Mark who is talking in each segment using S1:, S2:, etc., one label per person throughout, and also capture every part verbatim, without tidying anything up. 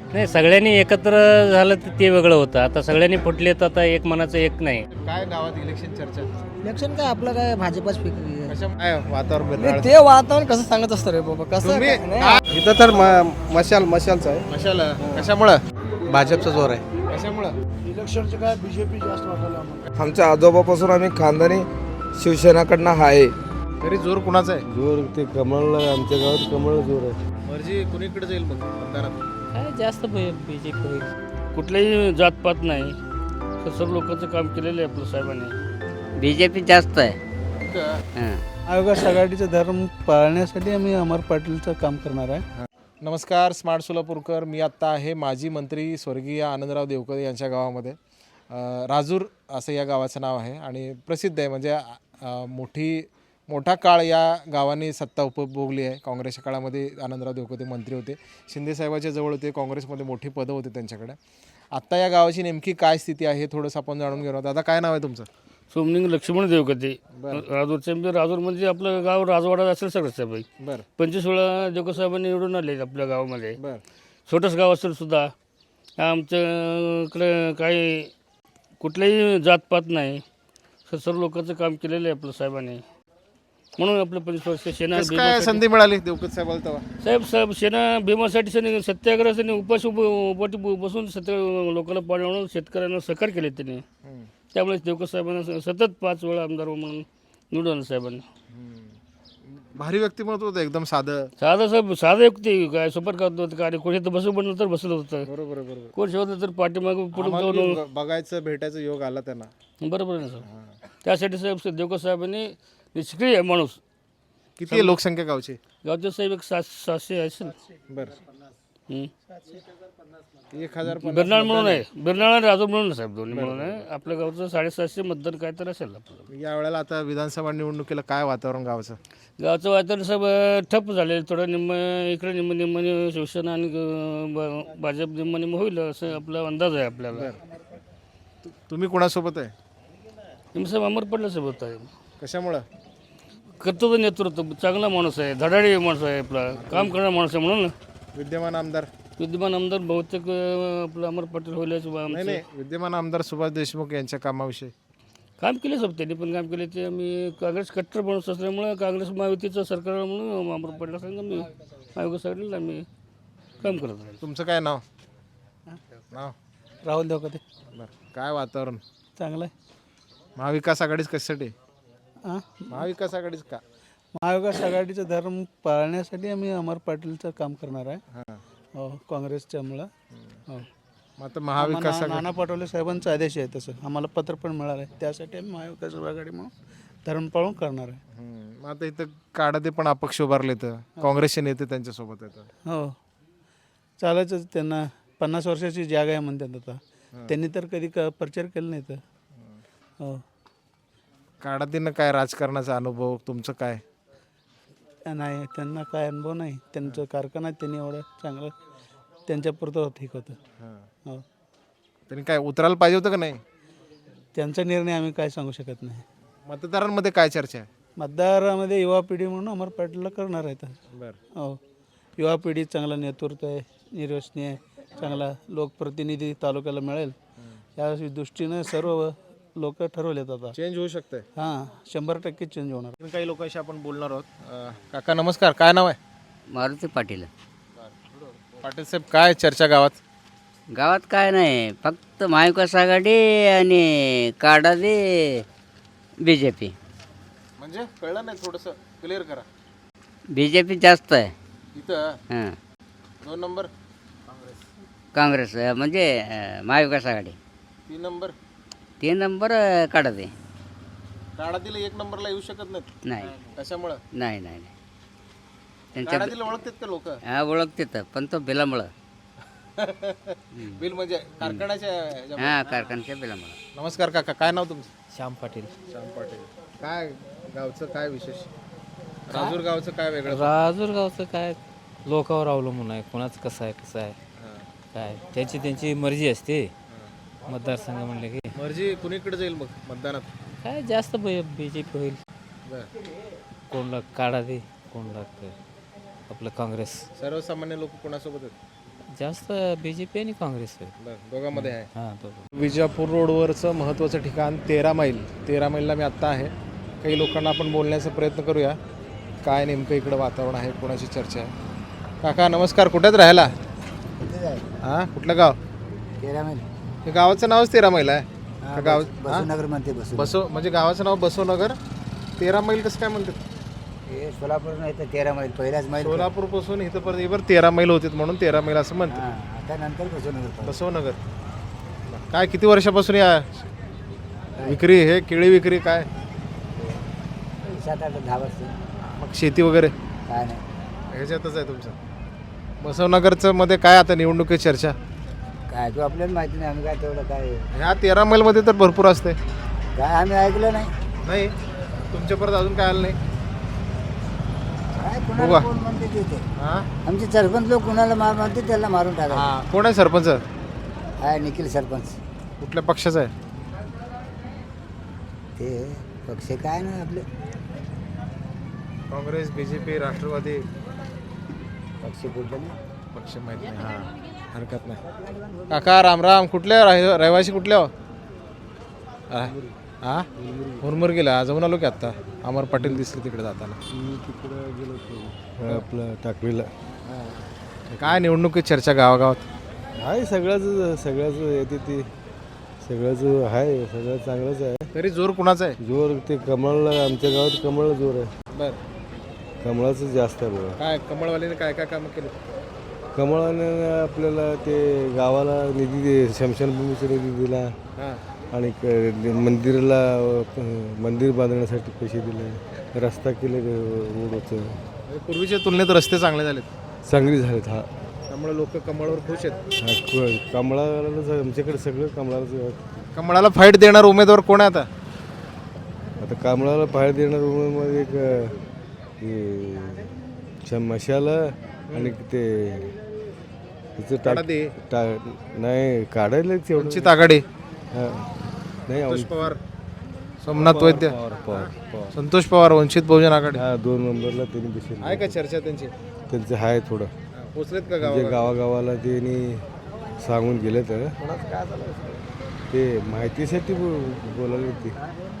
S1: नाही, सगळ्यांनी एकत्र झालं तर ते वेगळं होतं. आता सगळ्यांनी फुटले तर आता एक मनाचं एक नाही.
S2: काय गावात इलेक्शन चर्चा
S3: इलेक्शन काय आपलं काय भाजपच फिक्री आहे.
S2: कशा काय वातावरण
S3: नाही,
S2: बिरनाळ?
S3: ते वातावरण कसं सांगत असतं रे बाबा कसं
S2: तुम्ही
S3: काय- नाही,
S2: आ-
S4: इथं तर म- मशाल मशालचं आहे.
S2: कशाला कशामुळं
S4: भाजपचा जोर आहे.
S2: कशामुळं
S3: इलेक्शनचे काय बीजेपी जास्त वाटायला आम्हाला.
S4: आमच्या आजोबापासून आम्ही खानदानी शिवसेनाकडनं आहे.
S2: तरी जोर कुणाचा आहे?
S4: जोर ते कमळ आमच्या गावात कमळ जोर आहे.
S2: मर्जी कुणीकडे जाईल मग मतदारात?
S1: काय जास्त बीजेपी होईल. कुठल्याही जातपात नाही, सर्व लोकांचं काम केलेलं आहे आपल्या साहेबांनी.
S5: बीजेपी जास्त आहे.
S2: इथं
S5: हां.
S3: महाविकास आघाडीचा धर्म पाळण्यासाठी आम्ही अमर पाटीलचं काम करणार आहे.
S2: नमस्कार, स्मार्ट सोलापूरकर. मी आत्ता आहे माजी मंत्री स्वर्गीय आनंदराव देवकर यांच्या गावामध्ये. अ, राजूर असं या गावाचं नाव आहे आणि प्रसिद्ध आहे. म्हणजे अ, मोठी मोठा काळ या गावाने सत्ता उपभोगली आहे. काँग्रेसच्या काळामध्ये आनंदराव देवकर मंत्री होते, शिंदेसाहेबाच्या जवळ होते, काँग्रेसमध्ये मोठी पदं होते त्यांच्याकडे. आत्ता या गावाची नेमकी काय स्थिती आहे हे थोडंसं आपण जाणून घेणार आहोत. आता काय नाव आहे तुमचं?
S1: सोमलिंग लक्ष्मण देवकते राजूरचे. म्हणजे राजूर म्हणजे आपलं गाव राजवाडा असेल सगळं साहेब.
S2: बरं
S1: पंचवीस वेळा देवकर साहेबांनी निवडून आले आपल्या गावामध्ये.
S2: बरं
S1: छोटंच गाव असेल सुद्धा आमच्याकडे काही कुठल्याही जातपात नाही, सर्व लोकांचं काम केलेलं आहे आपल्या साहेबांनी. म्हणून आपलं पंचवीस वर्ष सेना
S2: कसं काय
S1: भीमासाठी-
S2: संधी मिळाली देवकर साहेबाला तेव्हा?
S1: साहेब साहेब सेना भीमासाठी त्यांनी सत्याग्रह त्यांनी उपास उप उपाटी बसून सत्य लोकांना पाडवून शेतकऱ्यांना सहकार केले त्यांनी.
S2: हम्म.
S1: त्यामुळे देवकर साहेबांना स- सतत पाच वेळा आमदार म्हणून निवडून आणलं साहेबांनी.
S2: भारी व्यक्तिमत्व होतं, एकदम साधं.
S1: साधं साहेब साधं युक्ती काय सुपर करत होतं काय कोणी तर बसू बनलं तर बसलं होतं,
S2: बरोबर आहे, बरोबर.
S1: कोण शेवटलं तर पाठीमागं पुढे
S2: आम्हाला
S1: जाऊन
S2: बी ब- बघायचं भेटायचं योग आला त्यांना.
S1: बरोबर आहे ना सर. त्यासाठी साहेब देवकर साहेबांनी निष्क्रिय आहे माणूस.
S2: किती आहे लोकसंख्या गावची?
S1: गावचे साहेब एक सात सातशे असेल.
S2: बरं
S1: हं.
S2: एक हजार पन्नास
S1: बिरनाळ म्हणून आहे, बिरनाळ आणि राजूर म्हणून आहे साहेब, दोन्ही म्हणून आहे. आपल्या गावचं साडेसातशे मतदान काय तर असेल आपलं.
S2: या वेळेला आता विधानसभा निवडणुकीला काय वातावरण गावाचं?
S1: गावचं वातावरण साहेब ठप्प झाले. थोडं निम्म इकडे निम्म निम्म शिवसेना आणि अं, ब- भाजप निम्म निम्म होईल असं आपला अंदाज आहे आपल्याला.
S2: तु- तुम्ही कोणासोबत आहे?
S1: निम्म साहेब अमर पडलं साहेब होता.
S2: कशामुळं?
S1: कर्तव्य नेतृत्व, चांगला माणूस आहे, धडाडी माणूस आहे, आपला काम करणारा माणूस आहे. म्हणून
S2: विद्यमान आमदार?
S1: विद्यमान आमदार बहुतेक अं, आपलं अमर पटेल होईल असं
S2: नाही
S1: आमचं
S2: नाही, विद्यमान आमदार सुभाष देशमुख यांच्या कामाविषयी.
S1: काम केले साहेब, त्यांनी पण काम केले. ते आम्ही काँग्रेस कट्टर माणूस असल्यामुळं काँग्रेस महायुतीचं सरकार म्हणून अमर पटेल सांगा मी महाविकास आघाडीला आम्ही काम करत राहील.
S2: तुमचं काय नाव? नाव?
S3: राहुल देवकते
S2: बरं, काय वातावरण?
S3: चांगलं आहे.
S2: महाविकास आघाडीच कशासाठी?
S3: हां,
S2: महाविकास आघाडीच का?
S3: महाविकास आघाडीचा धर्म पाळण्यासाठी आम्ही अमर पाटीलचं काम करणार आहे.
S2: हां.
S3: हो, काँग्रेसच्यामुळं. हो.
S2: मग आता महाविकास
S3: आम्हाला
S2: आघाडी
S3: नाना पटोले साहेबांचा आदेश आहे तसं आम्हाला पत्र पण मिळालं आहे. त्यासाठी आम्ही महाविकास आघाडी म्हणून धर्म पाळून करणार आहे.
S2: हम्म. मग आता इथं काढा पण अपक्ष उभारले तर काँग्रेसचे नेते त्यांच्यासोबत येतात.
S3: हो, चालायचं त्यांना. पन्नास वर्षाची जागा आहे म्हणतात आता. त्यांनी तर कधी क प्रचार केला नाही तर. हो,
S2: काढातीनं काय राजकारणाचा अनुभव तुमचं काय?
S3: नाही, त्यांना काय अनुभव नाही. त्यांचं कारखाना त्यांनी एवढं चांगलं त्यांच्यापुरतं ठीक होतं. हो,
S2: त्यांनी काय उतरायला पाहिजे होतं का नाही?
S3: त्यांचा निर्णय आम्ही काय सांगू शकत नाही.
S2: मतदारांमध्ये काय चर्चा आहे?
S3: मतदारामध्ये युवा पिढी म्हणून अमर पाटीलला करणार आहे तर.
S2: बरं.
S3: हो, युवा पिढी चांगला नेतृत्व आहे, निर्वसनीय आहे, चांगला लोकप्रतिनिधी तालुक्याला मिळेल या दृष्टीनं सर्व लोक ठरवलेत आता.
S2: चेंज होऊ शकतंय.
S3: हां, शंभर टक्के चेंज होणार.
S2: आणखीन काही लोकांशी आपण बोलणार आहोत. अं, काका नमस्कार, काय नाव आहे?
S5: मारुती पाटील.
S2: पाटील साहेब, काय चर्चा गावात?
S5: गावात काय नाही, फक्त महाविकास आघाडी आणि काढा दे बी जे पी.
S2: म्हणजे कळलं नाही, थोडंसं क्लिअर करा.
S5: बी जे पी जास्त आहे.
S2: इथं
S5: हां,
S2: दोन नंबर
S5: काँग्रेस अं, म्हणजे अं, महाविकास आघाडी.
S2: तीन नंबर
S5: तीन नंबर अं, काढा दे.
S2: काढातील एक नंबरला येऊ शकत नाहीत.
S5: नाही
S2: कशामुळं?
S5: नाही नाही नाही. त्यांच्या
S2: काढातील ओळखतात का लोक?
S5: हा ओळखते तर, पण तो बिलामुळं.
S2: बिल म्हणजे कारखान्याच्या ह्याच्यामध्ये.
S5: हां, कारखान्याच्या बिलामुळं.
S2: नमस्कार काका, काय नाव तुमचं?
S6: श्याम पाटील.
S2: श्याम पाटील. काय गावचं काय विशेष? राजूर गावचं काय वेगळं?
S6: राजूर गावचं काय लोकावर अवलंबून आहे, कोणाचं कसं आहे कसं आहे
S2: हां.
S6: काय त्यांची त्यांची मर्जी असते. मतदारसंघ म्हणले की
S2: मर्जी कुणीकडे जाईल मग मतदानात?
S6: काय जास्त बी जे पी होईल.
S2: बरं.
S6: कोणला काढा दे, कोणला क- आपलं काँग्रेस.
S2: सर्वसामान्य लोक कोणासोबत आहेत?
S6: जास्त बी जे पी आणि काँग्रेस आहे.
S2: बरं, दोघांमध्ये आहे.
S6: हां दोघं.
S2: विजापूर रोडवरचं महत्त्वाचं ठिकाण तेरा मैल तेरा मैलला मी आत्ता आहे. काही लोकांना आपण बोलण्याचा प्रयत्न करूया काय नेमकं इकडं वातावरण आहे, कोणाची चर्चा आहे. काका नमस्कार, कुठेच राहायला? हां कुठलं गाव?
S7: तेरा मैल
S2: हे गावाचं नावच तेरा मैल आहे का गाव?
S7: बसवनगर म्हणते बसव
S2: बसव म्हणजे गावाचं नाव बसवनगर, तेरा मैल कसं काय म्हणतात?
S7: हे सोलापूर नाही तर तेरा मैल पहिलाच मैल
S2: सोलापूरपासून इथं पर्यंत बरं तेरा मैल होते म्हणून तेरा मैल असं म्हणतात.
S7: हां, आता नंतर बसवनगर
S2: बसवनगर. काय किती वर्षापासून या विक्री, हे केळी विक्री काय?
S7: सात आठ दहा वर्ष
S2: मग शेती वगैरे
S7: काय नाही
S2: ह्याच्यातच आहे तुमचं? बसवनगरचं मध्ये काय आता निवडणुकीची चर्चा?
S7: काय तो आपल्याला माहिती नाही, आम्ही काय तेवढं काय
S2: ह्या तेरा मैलमध्ये तर भरपूर असते.
S7: काय आम्ही ऐकलं नाही.
S2: नाही तुमच्यापर्यंत अजून काय आलं नाही?
S7: काय
S2: उभा.
S7: कुणाला कोण म्हणते तिथे
S2: हां
S7: आमचे सरपंच लोक कुणाला मार म्हणते त्याला मारून टाका.
S2: हां कोण आहे सरपंच?
S7: काय निखिल सरपंच
S2: कुठल्या पक्षाचा आहे?
S7: ते पक्ष काय नाही आपले
S2: Congress, B J P, Rashtrawadi?
S7: पक्ष कुठलं नाही.
S2: पक्ष माहीत नाही. हां हरकत नाही. काका रामराम, कुठल्या राह रहिवासी कुठल्या? हां मुरमुर गेला, जाऊन आलो की आत्ता. अमर पाटील दिसले तिकडे जाताना.
S8: आपलं टाकळीला
S2: काय निवडणुकीत चर्चा गावागावात?
S8: आहे सगळ्याच सगळ्याच येते ती सगळ्याच आहे, सगळं चांगलंच आहे.
S2: तरी जोर कुणाचा आहे?
S8: जोर ते कमळला, आमच्या गावात कमळला जोर आहे.
S2: बर
S8: कमळाचं जास्त आहे बघा.
S2: काय कमळवालीने काय काय कामं केली?
S8: कमळाने आपल्याला ते गावाला निधी दे, स्मशानभूमीचा निधी दिला
S2: हां
S8: आणि क- मंदिराला अ, मंदिर बांधण्यासाठी पैसे दिले, रस्ता केले रोडचं,
S2: म्हणजे पूर्वीच्या तुलनेत रस्ते चांगले झालेत,
S8: चांगली झालीत. हा
S2: त्यामुळे लोक कमळावर खुश आहेत.
S8: हा, क- कमळालाच आमच्याकडे सगळं कमळाचं.
S2: कमळाला फाईट देणार उमेदवार कोण आहे आता?
S8: आता कमळाला बाहेर देणार मध्ये एक अ, हे, श- मशाला आणि ते त्याचं टाक
S2: काढा दे.
S8: टा- नाही काढायला तेवढं
S2: वंचित आघाडी,
S8: हा. नाही
S2: संतोष
S8: आम-
S2: पवार, सोमनाथ वैद्य,
S8: पवार पवार पवार
S2: संतोष पवार, वंचित बहुजन आघाडी.
S8: हा दोन नंबरला त्यांनी बसेल.
S2: आहे का चर्चा त्यांची?
S8: त्यांचं आहे थोडं
S2: पोचलेत का
S8: म्हणजे
S2: गावात?
S8: गावागावाला त्यांनी सांगून गेले तर ते माहितीसाठी बो- बोलायला ते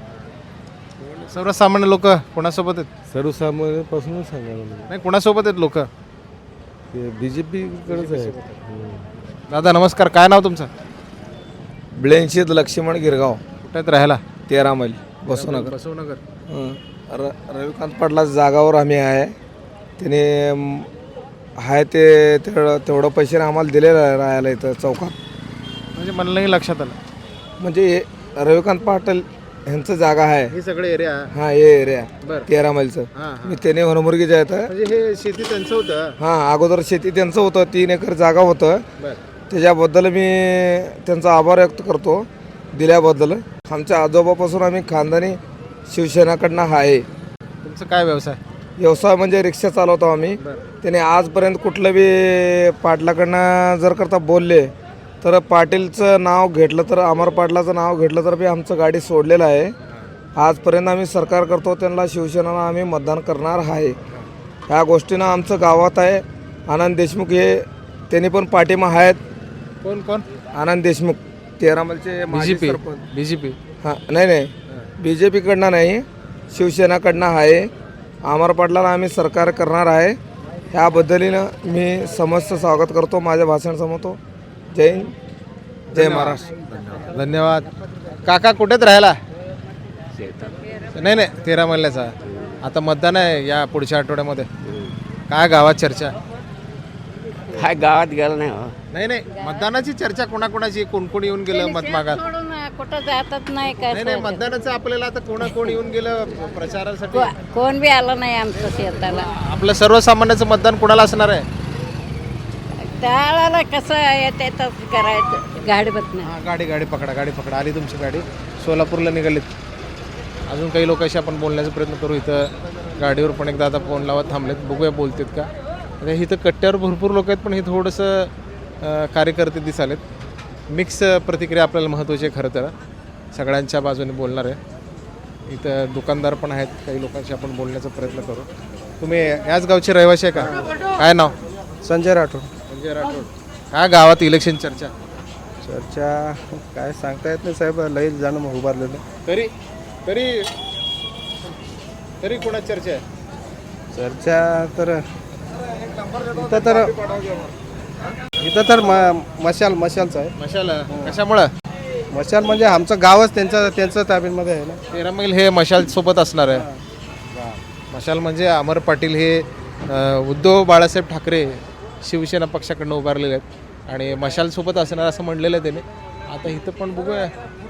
S2: सर्वसामान्य लोक कोणासोबत आहेत?
S8: सर्वसामान्यांपासूनच सांगायला लागले.
S2: नाही कोणासोबत आहेत लोक?
S8: ते बी जे पीकडेच आहे. हम्म.
S2: दादा नमस्कार, काय नाव तुमचं?
S4: ब्लेनशीद लक्ष्मण गिरगाव,
S2: कुठे आहेत राहायला?
S4: तेरा मैल बसवनगर.
S2: बसवनगर.
S4: हं. र रविकांत पाटला जागावर आम्ही आहे. त्याने म, आहे ते तेवढं तेवढं पैशाने आम्हाला दिलेलं आहे राहायला इथं चौकात.
S2: म्हणजे मला नाही लक्षात आलं.
S4: म्हणजे हे रविकांत पाटील ह्यांचं जागा आहे.
S2: हे सगळे एरिया.
S4: हां हे एरिया
S2: बरं.
S4: तेरा मैलचं.
S2: हां हां
S4: मी त्याने होनमुर्गीचे आहेत.
S2: म्हणजे हे शेती त्यांचं होतं.
S4: हां अगोदर शेती त्यांचं होतं, तीन एकर जागा होतं.
S2: बरं.
S4: त्याच्याबद्दल मी त्यांचा आभार व्यक्त करतो दिल्याबद्दल. आमच्या आजोबापासून आम्ही खानदानी शिवसेनाकडनं आहे.
S2: तुमचं काय व्यवसाय?
S4: व्यवसाय म्हणजे रिक्षा चालवतो आम्ही.
S2: बरं.
S4: त्याने आजपर्यंत कुठलं बी पाटलाकडनं जर करता बोलले तर पाटीलचं नाव घेतलं तर अमर पाटलाचं नाव घेतलं तर बी आमचं गाडी सोडलेलं आहे. आजपर्यंत आम्ही सरकार करतो त्यांना शिवसेनेला आम्ही मतदान करणार आहे. ह्या गोष्टीनं आमचं गावात आहे. आनंद देशमुख हे त्यांनी पण पाठिंबा आहेत.
S2: कोण कोण?
S4: आनंद देशमुख तेरा मैलचे माजी
S2: बीजेपी.
S4: सरपंच.
S2: बीजेपी.
S4: हां नाही नाही बी जे पीकडनं नाही, शिवसेनाकडनं आहे. अमर पाटलाला आम्ही सरकार करणार आहे. ह्याबद्दलीनं मी समस्त स्वागत करतो, माझ्या भाषण संपवतो. जय हिंद, जय महाराष्ट्र.
S2: धन्यवाद. काका कुठेच राहायला? नाही नाही तेरा महिन्याचा आता मतदान आहे या पुढच्या आठवड्यामध्ये. काय गावात चर्चा?
S5: काय गावात गेलं नाही हो.
S2: नाही नाही मतदानाची चर्चा कोणाकोणाची, कोण कोण येऊन गेलं मत मागात?
S9: सोडून कुठं जातच नाही काय
S2: नाही नाही मतदानाचं आपल्याला आता कोणा कोण येऊन गेलं प्रचारासाठी?
S9: को- कोण बी आलं नाही आमचं शेताला.
S2: आपलं सर्वसामान्याचं मतदान कोणाला असणार आहे?
S9: त्याला कसं येते तसं करायचं गाडी बत नाही.
S2: हां गाडी गाडी पकडा, गाडी पकडा. आली तुमची गाडी, सोलापूरला निघालीत. अजून काही लोकांशी आपण बोलण्याचा प्रयत्न करू. इथं गाडीवर पण एकदा आता फोन लावत थांबलेत, बघूया बोलतात का. आता इथं कट्ट्यावर भरपूर लोक आहेत पण हे थोडंसं अं, कार्यकर्ते दिसालेत. मिक्स प्रतिक्रिया आपल्याला महत्त्वाची आहे खरं तर. सगळ्यांच्या बाजूने बोलणार आहे. इथं दुकानदार पण आहेत, काही लोकांशी आपण बोलण्याचा प्रयत्न करू. तुम्ही याच गावचे रहिवासी आहे का? काय नाव?
S4: संजय राठोड.
S2: संजय राठोड. काय गावात इलेक्शन चर्चा?
S8: चर्चा काय सांगता येत नाही साहेब, लई जाणं मग उभारलेलं.
S2: तरी तरी तरी कोणा चर्चा आहे?
S8: चर्चा तर इथं तर इथं तर म मशाल मशालचं आहे.
S2: मशाल कशामुळं?
S8: मशाल म्हणजे आमचं गावच त्यांचं त्यांचं ताब्यामध्ये आहे ना.
S2: तेरा मैल हे मशाल सोबत असणार आहे. मशाल म्हणजे अमर पाटील हे अ, उद्धव बाळासाहेब ठाकरे शिवसेना पक्षाकडनं उभारलेले आहेत आणि मशाल सोबत असणार असं म्हणलेलं आहे त्याने. आता इथं पण बघूया.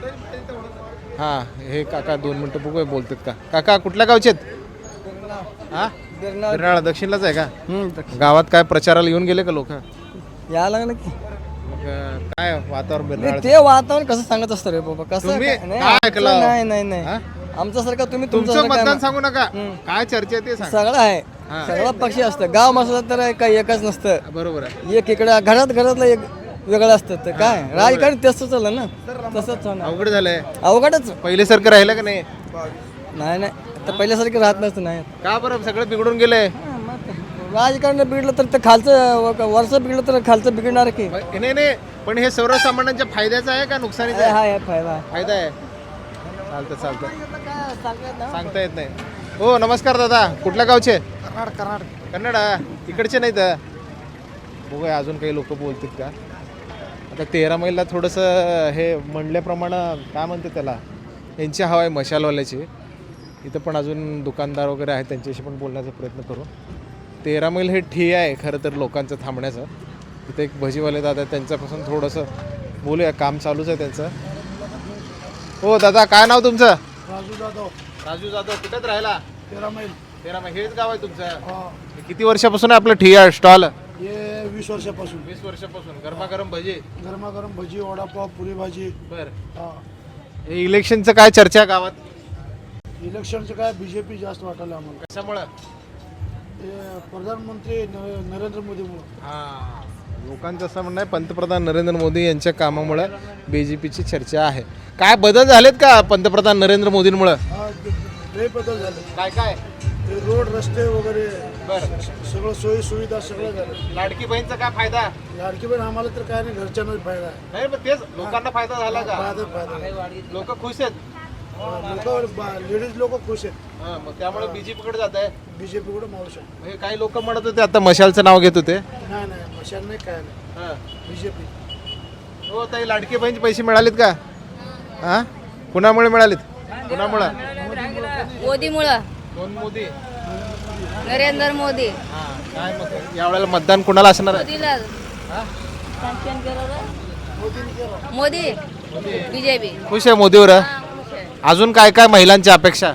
S2: हां, हे काका दोन मिनटं बघूया बोलतात का. काका कुठल्या गावचे आहेत? हां, बिरनाळा दक्षिणलाच आहे का? गावात काय प्रचाराला येऊन गेले का लोक?
S3: यायला लागलं की
S2: मग अ, काय वातावरण बिरनाळा?
S3: ते वातावरण कसं सांगत असतं रे बाबा, कसं
S2: तुम्ही
S3: काय- नाही,
S2: काय
S3: आमचं
S2: ऐकलं?
S3: नाही नाही नाही
S2: हा?
S3: आमच्यासारखं तुम्ही
S2: तुमचं
S3: तुमच्यासारखं
S2: मतदान
S3: काय-
S2: सांगू नका. काय चर्चा आहे ते सांग.
S3: सगळं आहे,
S2: हा.
S3: सगळं पक्षी असतं. गाव मसलं तर काही एकच नसतं.
S2: बरोबर आहे.
S3: एक इकडं घरात घरातलं एक वेगळं असतं. तर काय राजकारण तसंच चाललं ना, तसंच होणार.
S2: अवघड झालंय.
S3: अवघडच
S2: पहिल्यासारखं राहिलं का नाही?
S3: नाही नाही आता पहिल्यासारखं राहत नसतं. नाही
S2: का बरं सगळं बिघडून गेलंय?
S3: राजकारण बिघडलं तर ते खालचं वरच बिघडलं तर खालचं बिघडणार की.
S2: नाही नाही, पण हे सर्वसामान्यांच्या फायद्याचं आहे का नुकसानीचं आहे?
S3: हा आहे फायदा आहे.
S2: फायदा आहे. चालतं चालतं, सांगता येत नाही. हो नमस्कार दादा, कुठल्या गावचे?
S3: कर्नाटक कर्नाटक
S2: कन्नड इकडचे नाहीत. बघूया अजून काही लोक बोलतात का. आता तेरा मैलला थोडंसं हे म्हणल्याप्रमाणे काय म्हणते त्याला, यांची हवा आहे मशालवाल्याची. इथं पण अजून दुकानदार वगैरे आहेत, त्यांच्याशी पण बोलण्याचा प्रयत्न करू. तेरा मैल हे ठिय आहे खरं तर लोकांचं थांबण्याचं. इथं एक भजीवाले दादा आहेत, त्यांच्यापासून थोडंसं बोलूया. काम चालूच आहे त्यांचं. हो दादा, काय नाव तुमचं?
S3: राजू जाधव
S2: राजू जाधव. कुठेच राहिला?
S3: तेरा मैल.
S2: तेरा मैल हेच गाव आहे तुमचं? किती वर्षापासून आहे आपलं ठिय स्टॉल?
S3: हे वीस वर्षापासून
S2: वीस वर्षापासून. गरमागरम भजी.
S3: गरमागरम भजी, वडापाव, पुरी भाजी.
S2: बर, हे इलेक्शनचं काय चर्चा आहे गावात?
S3: इलेक्शनचं काय बीजेपी जास्त वाटायला आम्हाला.
S2: कशामुळं?
S3: हे प्रधानमंत्री न- नरेंद्र मोदीमुळे.
S2: हा, लोकांचं असं म्हणणं आहे पंतप्रधान नरेंद्र मोदी यांच्या कामामुळे बी जे पीची चर्चा आहे. काय बदल झालेत का पंतप्रधान नरेंद्र मोदींमुळं?
S3: लय बदल झाले.
S2: काय काय?
S3: ते रोड रस्ते वगैरे
S2: बरं,
S3: सगळं सोयी सुविधा सगळं झालं.
S2: लाडकी बहीणचा काय फायदा?
S3: लाडकी बहीण आम्हाला तर काय नाही, घरच्यांनाच फायदा आहे.
S2: नाही पण तेच लोकांना फायदा झाला का?
S3: फायदा फायदा
S2: लोक खुश आहेत.
S3: लोक लेडीज लोक खुश आहेत.
S2: हा, मग त्यामुळे बीजेपी कडे जात आहे.
S3: बीजेपी कडे मावू शकतो.
S2: हे काही लोक म्हणत होते आता मशालचं नाव घेत होते.
S3: नाही नाही मशाल नाही काय नाही,
S2: हा.
S3: बीजेपी.
S2: हो ताई, लाडकी बहीणचे पैसे मिळालेत का? हा, कुणामुळे मिळालेत? कुणामुळं?
S9: मोदीमुळं,
S2: कोण मोदी?
S9: नरेंद्र मोदी.
S2: हा, काय मग यावेळेला मतदान कुणाला असणार आहे?
S9: मोदीला मोदी बीजेपी.
S2: खुश आहे मोदीवर? अजून काय काय महिलांची अपेक्षा?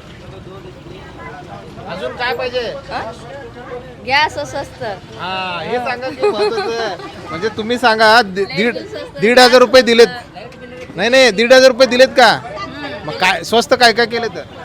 S2: अजून काय पाहिजे?
S9: गॅस स्वस्त.
S2: हा, हे सांगा की महत्त्वाचं. म्हणजे तुम्ही सांगा दि- दीड दीड हजार रुपये दिलेत. नाही नाही, दीड हजार रुपये दिलेत का? मग काय स्वस्त काय काय केलं तर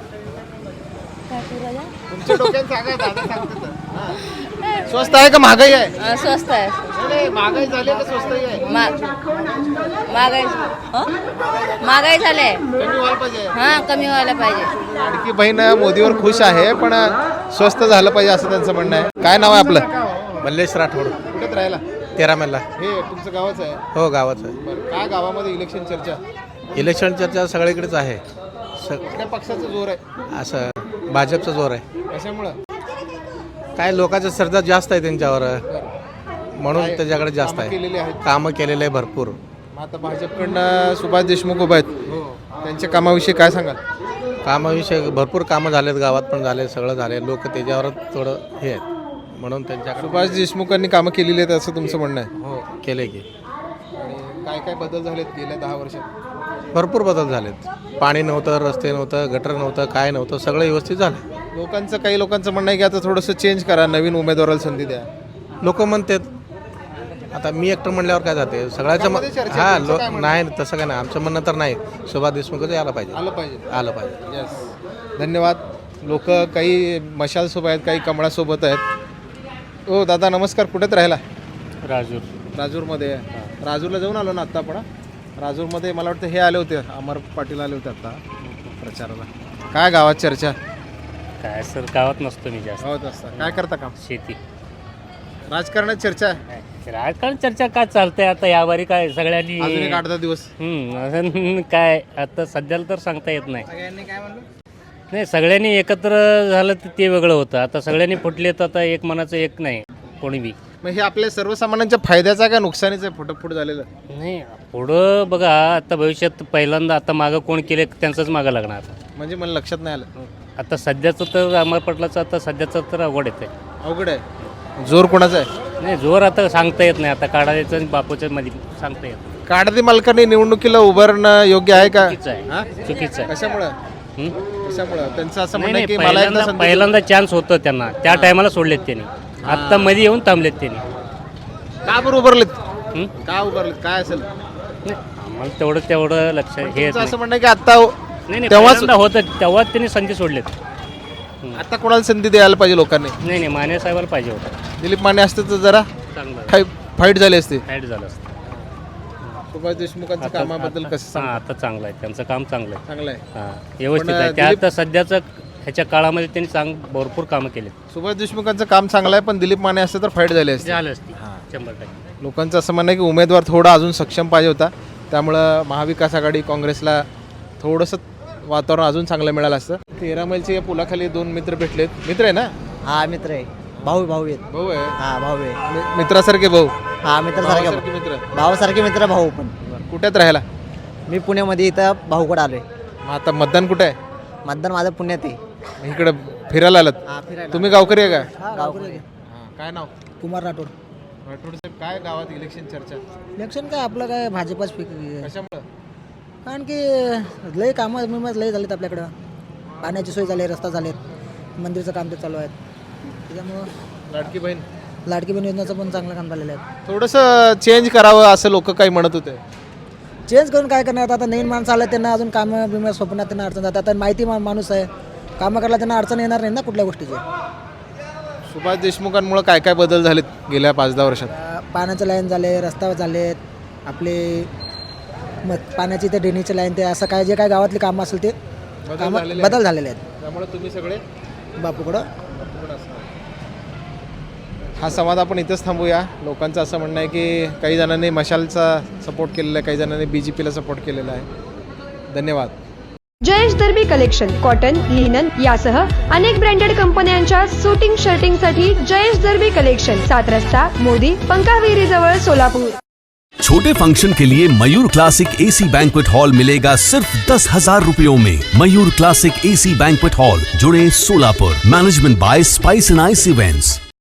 S2: तुमच्या डोक्यात सांगा, दादा सांगते तर. हा. स्वस्त आहे का महागाई आहे?
S9: अं, स्वस्त आहे.
S2: नाही, नाही, महागाई झाली का स्वस्त आहे?
S9: मा- महागाई हं? महागाई झाले.
S2: कमी व्हायला पाहिजे.
S9: हा, कमी व्हायला पाहिजे.
S2: लाडकी बहीण मोदीवर खुश आहे, पण स्वस्त झालं पाहिजे असं त्यांचं म्हणणं आहे. काय नाव आहे आपलं?
S8: मल्लेश राठोड,
S2: कुठेच राहिला?
S8: तेरा मैलला.
S2: हे तुमचं गावच आहे?
S8: हो गावाचं
S2: बरं, काय गावामध्ये इलेक्शन चर्चा?
S8: आहे. इलेक्शन चर्चा सगळीकडेच आहे. स
S2: कुठल्या पक्षाचा जोर आहे?
S8: असं भाजपचा जोर आहे.
S2: कशामुळं?
S8: काय लोकांचा श्रद्धा जास्त आहे त्यांच्यावर, म्हणून त्याच्याकडे जास्त
S2: कामं केलेली
S8: आहे.
S2: आहेत.
S8: कामं केलेले आहे भरपूर.
S2: मग आता भाजपकडनं सुभाष देशमुख उभा आहेत, त्यांच्या कामाविषयी काय सांगाल?
S8: कामाविषयी भरपूर कामं झालेत, गावात पण झाले, सगळं झाले. लोक त्याच्यावर थोडं हे आहेत, म्हणून त्यांच्याकडे
S2: सुभाष देशमुखांनी कामं केलेली आहेत असं तुमचं म्हणणं आहे?
S8: हो केले की.
S2: आणि काय काय बदल झालेत गेल्या दहा वर्षात?
S8: भरपूर बदल झालेत. पाणी नव्हतं, रस्ते नव्हतं, गटर नव्हतं, काय नव्हतं, सगळं व्यवस्थित झालं.
S2: लोकांचं काही लोकांचं म्हणणं आहे की आता थोडंसं चेंज करा, नवीन उमेदवाराला संधी द्या.
S8: लोक म्हणतात. आता मी एकटं म्हणल्यावर काय जाते सगळ्याचं
S2: लोकांमध्ये चर्चा,
S8: हां
S2: तुमचं
S8: लो
S2: काय म्हणणं?
S8: नाही तसं काय नाही. आमचं म्हणणं तर नाही, सुभाष देशमुखच यायला पाहिजे.
S2: आलं पाहिजे.
S8: आलं पाहिजे.
S2: यस, धन्यवाद. लोक काही मशालसोबत आहेत, काही कमळासोबत आहेत. हो दादा नमस्कार, कुठेच राहिला?
S6: राजूर.
S2: राजूरमध्ये. राजूरला जाऊन आलो ना आत्ता आपण. राजूरमध्ये मला वाटतं हे आले होते, अमर पाटील आले होते आता प्रचाराला. काय गावात चर्चा?
S6: काय सर, गावात नसतो मी जास्त.
S2: गावात असता. काय करता काम?
S6: शेती.
S2: राजकारणात चर्चा आहे?
S6: राजकारण चर्चा काय चालतंय आता यावारी काय सगळ्यांनी
S2: अजून एक आठ दहा दिवस
S6: हम्म, अजून काय आता सध्याला तर सांगता येत नाही नाही सगळ्यांनी एकत्र झालं तर ते वेगळं होतं. आता सगळ्यांनी फुटले तर आता एक मनाचं एक नाही कोणी बी.
S2: मग हे आपल्या सर्वसामान्यांच्या फायद्याचा का नुकसानीचं आहे फुटफुट झालेलं?
S6: नाही पुढं बघा आता भविष्यात पहिल्यांदा आता मागं कोण केले त्यांचंच मागं लागणार.
S2: म्हणजे मला लक्षात नाही आलं.
S6: आता सध्याचं तर अमर पटलाचं आता सध्याचं तर अवघड येतं
S2: अवघड आहे. जोर कोणाचा आहे?
S6: नाही जोर आता सांगता येत नाही. आता काढायचं आणि बापूच्या मध्ये सांगता येत नाही.
S2: काढती मालकांनी निवडणुकीला उभारणं योग्य आहे का?
S6: चुकीचं आहे चुकीचं आहे.
S2: कशामुळं
S6: हं?
S2: कशामुळं त्यांचं असं
S6: नाही
S2: म्हणणं आहे
S6: नाही
S2: की मला एकदा
S6: पहिल्यांदा
S2: संधी
S6: पहिल्यांदा चान्स होतं त्यांना त्या टायमाला सोडलेत त्यांनी. आत्ता मध्ये येऊन थांबलेत त्यांनी.
S2: का बरं उभारलेत?
S6: हं?
S2: का उभारलेत? काय असेल?
S6: नाही, आम्हाला तेवढं तेवढं लक्ष हे येत
S2: तुमचं
S6: नाही.
S2: असं म्हणणं आहे की आता
S6: नाही नाही
S2: तेव्हाच-
S6: पहिल्यांदा होतं तेव्हाच त्यांनी संधी सोडलेत.
S2: आता कोणाला संधी द्यायला पाहिजे लोकांनी?
S6: नाही नाही माने साहेबाला पाहिजे होतं
S2: दिलीप माने असते तर जरा
S6: चांगलं
S2: फाई- फाईट झाली असते.
S6: ऍड झालं असतं.
S2: सुभाष देशमुखांच्या
S6: आता-
S2: कामाबद्दल
S6: आता-
S2: कसं
S6: हां,
S2: सांग?
S6: आता चांगलं आहे त्यांचं काम चांगलं आहे.
S2: चांगलं आहे.
S6: हां व्यवस्थित
S2: पण,
S6: आहे. त्या
S2: दिलीप-
S6: आता सध्याचं ह्याच्या काळामध्ये त्यांनी चांग भरपूर कामं केलेत.
S2: सुभाष देशमुखांचं काम चांगलं आहे पण दिलीप माने असते तर फाईट झाली असते.
S6: झालं असती शंभर टक्के.
S2: लोकांचं असं म्हणणं आहे की उमेदवार थोडा अजून सक्षम पाहिजे होता. त्यामुळं महाविकास आघाडी काँग्रेसला थोडंसं वातावरण अजून चांगलं मिळालं असतं. तेरा मैलचे या पुलाखाली दोन मित्र भेटलेत. मित्र आहे ना?
S7: हा मित्र आहे भाऊ भाऊ आहेत
S2: भाऊ आहे.
S7: हा भाऊ आहे
S2: मि- मित्रासारखे भाऊ.
S7: हा मित्र
S2: भावासारखे मित्र.
S7: भावासारखे मित्र भाऊ पण
S2: कुठ्यात राहायला?
S7: मी पुण्यामध्ये इथं भाऊकडे आलोय.
S2: मग आता मतदान कुठे आहे?
S7: मतदान माझं पुण्यात आहे.
S2: मग इकडं फिरायला आलात?
S7: हा फिरायला
S2: तुम्ही गावकरी आहे का?
S7: गावकडे
S2: हां, काय नाव?
S7: कुमार राठोड.
S2: राठोड साहेब, काय गावात इलेक्शन चर्चा?
S7: इलेक्शन काय आपलं काय भाजपच पिक
S2: कशामुळं?
S7: कारण की लय कामं बिमं लय झालेत आपल्याकडं. पाण्याची सोय झाली, रस्ता झालेत, मंदिरचं काम ते चालू आहे. त्याच्यामुळं
S2: लाडकी बहीण
S7: लाडकी बहीण योजनेचं पण चांगलं काम झालेलं आहे.
S2: थोडंसं चेंज करावं असं लोक काही म्हणत होते.
S7: चेंज करून काय करणार आता नवीन माणसं आलं त्यांना अजून कामं बिमं स्वप्नात त्यांना अडचण जातात. आता माहिती मा माणूस आहे कामं करायला त्यांना अडचण येणार नाही ना कुठल्या गोष्टीची.
S2: सुभाष देशमुखांमुळे काय काय बदल झालेत गेल्या पाच दहा वर्षात?
S7: अं, पाण्याचं लाईन झाले, रस्ता झालेत आपले, मग पाण्याची ते ड्रेनेजची लाईन ते असं काय जे काय गावातली कामं असेल ते
S2: बदल
S7: कामं
S2: झालेले
S7: बदल झालेले आहेत
S2: त्यामुळे तुम्ही सगळे
S7: बापूकडं.
S2: हा संवाद आपण इथंच थांबूया. लोकांचं असं म्हणणं आहे की काही जणांनी मशालचा सपोर्ट केलेला आहे, काही जणांनी बी जे पीला सपोर्ट केलेला आहे. धन्यवाद.
S10: Jayesh Darbi collection cotton linen यासह अनेक ब्रँडेड कंपन्यांच्या सुटिंग शर्टिंगसाठी जयेश दर्बी कलेक्शन, सात रस्ता मोदी पंकाविरी जवळ सोलापूर.
S11: छोटे फंक्शन के लिए Mayur classic AC banquet hall मिलेगा सिर्फ दस हजार रुपयों में। Mayur classic AC banquet hall, जुड़े Solapur. Management by Spice and Ice events.